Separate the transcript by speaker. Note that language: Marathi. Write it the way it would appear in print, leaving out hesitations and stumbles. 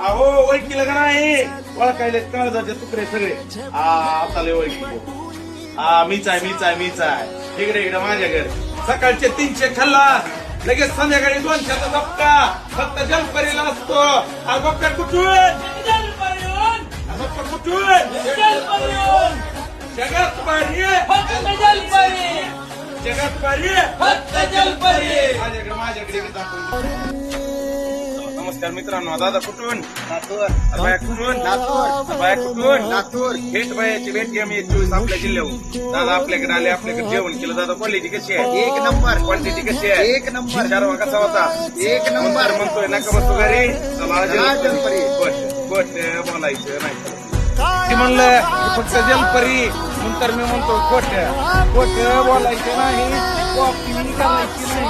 Speaker 1: अहो ओळखीला का नाही ओळखायला काळजाचे तुकडे सगळे आता लय ओळखी मीच आहे इकडे माझ्या घर सकाळचे 300 खाल्ला लगेच संध्याकाळी 200चा धक्का फक्त जलपरीला असतो बक्का कुठून जगात पारी माझ्याकडे नमस्कार मित्रांनो दादा कुठून बाया कुठून लातूर भेट बायाची भेट घ्या मी 24 आपल्या जिल्ह्याहून दादा आपल्याकडे आले आपल्याकडे जेवण केलं दादा क्वालिटी कशी आहे
Speaker 2: एक नंबर
Speaker 1: क्वांटिटी कशी आहे
Speaker 2: एक नंबर
Speaker 1: चारवा कसा होता
Speaker 2: एक नंबर
Speaker 1: म्हणतोय नका बसतो घरी चला
Speaker 2: जलपरी.
Speaker 1: गोट बोलायचं नाही ते म्हणलं फक्त जलपरी नंतर मी म्हणतो खोट बोलायचं नाही कॉपी करायची नाही